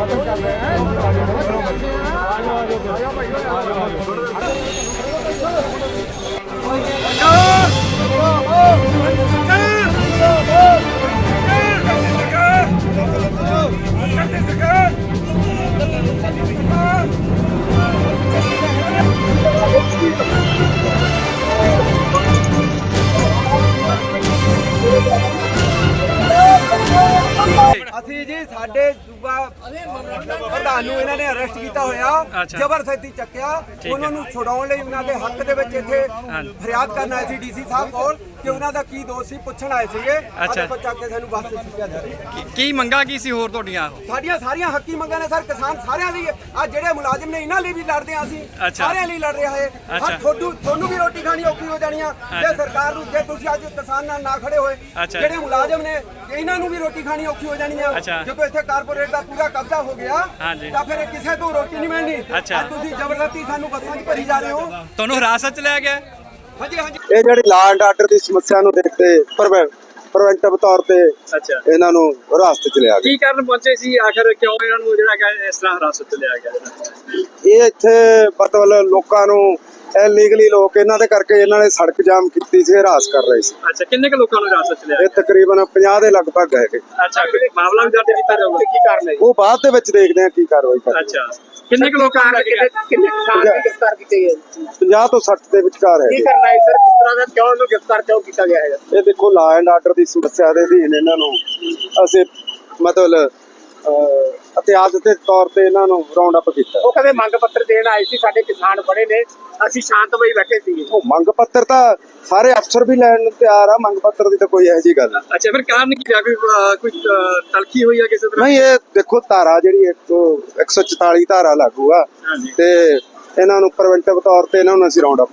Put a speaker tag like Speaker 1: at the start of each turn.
Speaker 1: शासन कर रहे हैं।
Speaker 2: ਅਸੀਂ ਜੀ ਸਾਡੇ ਸੂਬਾ ਪ੍ਰਧਾਨ ਨੂੰ ਇਹਨਾਂ ਨੇ ਅਰੈਸਟ ਕੀਤਾ ਹੋਇਆ, ਜ਼ਬਰਦਸਤੀ ਚੱਕਿਆ। ਉਹਨਾਂ ਨੂੰ ਛੁਡਾਉਣ ਲਈ ਉਹਨਾਂ ਦੇ ਹੱਕ ਦੇ ਵਿੱਚ ਇੱਥੇ ਫਰਿਆਦ ਕਰਨ ਆਏ ਸੀ ਡੀਸੀ ਸਾਹਿਬ ਕੋਲ ਕਿ ਉਹਨਾਂ ਦਾ ਕੀ ਦੋਸ਼ ਸੀ, ਪੁੱਛਣ ਆਏ ਸੀਗੇ। ਅੱਜ ਚੱਕ ਕੇ ਸਾਨੂੰ ਬੱਸ ਤੇ ਸੁੱਟਿਆ ਜਾ ਰਿਹਾ।
Speaker 3: ਕੀ ਮੰਗਾ ਕੀ ਸੀ ਹੋਰ ਤੁਹਾਡੀਆਂ?
Speaker 2: ਸਾਡੀਆਂ ਸਾਰੀਆਂ ਹੱਕੀ ਮੰਗਾਂ ਨੇ ਸਰ, ਕਿਸਾਨ ਸਾਰਿਆਂ ਲਈ। ਆ ਜਿਹੜੇ ਮੁਲਾਜ਼ਮ ਨੇ ਇਹਨਾਂ ਲਈ ਵੀ ਲੜਦੇ ਆ, ਅਸੀਂ ਸਾਰਿਆਂ ਲਈ ਲੜ ਰਹੇ ਹਾਂ। ਤੁਹਾਨੂੰ ਵੀ ਰੋਟੀ ਖਾਣੀ ਔਖੀ ਹੋ ਜਾਣੀ ਆ ਜੇ ਸਰਕਾਰ ਨੂੰ, ਜੇ ਤੁਸੀਂ ਅੱਜ ਕਿਸਾਨ ਨਾਲ ਨਾ ਖੜੇ ਹੋਏ। ਜਿਹੜੇ ਮੁਲਾਜ਼ਮ ਨੇ ਇਹਨਾਂ ਨੂੰ ਵੀ ਰੋਟੀ ਖਾਣੀ ਔਖੀ ਹੋ ਜਾਣੀ ਆ। ਜਦੋਂ ਇੱਥੇ ਕਾਰਪੋਰੇਟ ਦਾ ਪੂਰਾ ਕਬਜ਼ਾ ਹੋ ਗਿਆ ਤਾਂ ਫਿਰ ਕਿਸੇ ਤੋਂ ਰੋਟੀ ਨਹੀਂ ਮਿਲਣੀ। ਤੁਸੀਂ ਜ਼ਬਰਦਸਤੀ ਸਾਨੂੰ ਬੱਸਾਂ 'ਚ ਭਰੀ ਜਾ ਰਹੇ ਹੋ।
Speaker 3: ਤੁਹਾਨੂੰ ਹਿਰਾਸਤ 'ਚ ਲਿਆ ਗਿਆ?
Speaker 2: ਹਾਂਜੀ ਹਾਂਜੀ।
Speaker 4: ਇਹ ਜਿਹੜੀ ਲਾਅ ਐਂਡ ਆਰਡਰ ਦੀ ਸਮੱਸਿਆ ਨੂੰ ਦੇਖਦੇ ਪ੍ਰੀਵੈਂਟਿਵ ਤੌਰ ਤੇ ਇਹਨਾਂ ਨੂੰ ਹਿਰਾਸਤ 'ਚ ਲਿਆ ਗਿਆ।
Speaker 3: ਕੀ ਕਾਰਨ ਪਹੁੰਚੇ ਸੀ ਆਖਰ, ਕਿਉਂ ਇਹਨਾਂ ਨੂੰ ਜਿਹੜਾ ਇਸ ਤਰ੍ਹਾਂ ਹਿਰਾਸਤ 'ਚ ਲਿਆ ਗਿਆ?
Speaker 4: ਇਹ ਇੱਥੇ ਮਤਲਬ ਲੋਕਾਂ ਨੂੰ ਇਲੀਗਲੀ ਲੋਕ ਇਹਨਾਂ ਦੇ ਕਰਕੇ ਇਹਨਾਂ ਨੇ ਸੜਕ ਜਾਮ ਕੀਤੀ ਸੀ, ਹਰਾਸ ਕਰ ਰਹੇ ਸੀ।
Speaker 3: ਅੱਛਾ, ਕਿੰਨੇ ਕੁ ਲੋਕਾਂ ਨੂੰ ਹਿਰਾਸਤ 'ਚ ਲਿਆ?
Speaker 4: ਇਹ ਤਕਰੀਬਨ 50 ਦੇ ਲਗਭਗ ਹੈਗੇ।
Speaker 3: ਅੱਛਾ, ਮਾਮਲਾ ਵੀ ਦਰਜ ਕੀਤਾ ਜਾਊਗਾ? ਕੀ ਕਾਰਨ ਹੈ
Speaker 4: ਉਹ ਬਾਅਦ ਦੇ ਵਿੱਚ ਦੇਖਦੇ ਆ ਕੀ ਕਾਰਵਾਈ ਕਰਦੇ।
Speaker 3: ਅੱਛਾ, ਕਿੰਨੇ ਕੁ ਲੋਕਾਂ ਨੂੰ
Speaker 1: ਕਿੰਨੇ ਕਿਸਾਨ ਦੀ ਗ੍ਰਿਫਤਾਰ ਕੀਤੇ ਗਏ?
Speaker 4: 50 ਤੋਂ 60 ਦੇ ਵਿਚਕਾਰ ਹੈ।
Speaker 1: ਕੀ ਕਰਨਾ ਹੈ ਸਰ, ਕਿਸ ਤਰ੍ਹਾਂ ਦਾ ਕਿਉਂ ਇਹਨੂੰ ਗ੍ਰਿਫਤਾਰ ਕਿਉਂ ਕੀਤਾ ਗਿਆ ਹੈ?
Speaker 4: ਇਹ ਦੇਖੋ ਲਾਅ ਐਂਡ ਆਰਡਰ ਦੀ ਸਮੱਸਿਆ ਦੇ ਅਧੀਨ ਇਹਨਾਂ ਨੂੰ ਅਸੀਂ ਮਤਲਬ ਇਤਿਹਾਸ ਦੇ ਤੌਰ ਤੇ ਇਹਨਾਂ ਨੂੰ ਰਾਉਂਡ ਅਪ ਕੀਤਾ।
Speaker 1: ਉਹ ਕਦੇ ਮੰਗ ਪੱਤਰ ਦੇਣ ਆਏ ਸੀ, ਸਾਡੇ ਕਿਸਾਨ ਬੜੇ ਨੇ, ਅਸੀਂ ਸ਼ਾਂਤਮਈ ਬੈਠੇ ਸੀ।
Speaker 4: ਉਹ ਮੰਗ ਪੱਤਰ ਤਾਂ ਸਾਰੇ ਅਫਸਰ ਵੀ ਲੈਣ ਨੂੰ ਤਿਆਰ ਆ, ਮੰਗ ਪੱਤਰ ਦੀ ਤਾਂ ਕੋਈ ਇਹੋ ਜਿਹੀ ਗੱਲ ਨਹੀਂ।
Speaker 3: ਅੱਛਾ, ਫਿਰ ਕਾਰਨ ਕੀ ਆ? ਕੋਈ ਤਲਖੀ ਹੋਈ ਆ ਕਿਸੇ ਤਰ੍ਹਾਂ?
Speaker 4: ਨਹੀਂ, ਇਹ ਦੇਖੋ ਧਾਰਾ ਜਿਹੜੀ 144 ਧਾਰਾ ਲਾਗੂ ਆ ਤੇ ਇਹਨਾਂ ਨੂੰ ਪ੍ਰੀਵੈਂਟਿਵ ਤੌਰ ਤੇ ਇਹਨਾਂ ਨੂੰ ਅਸੀਂ ਰਾਉਂਡ ਅਪ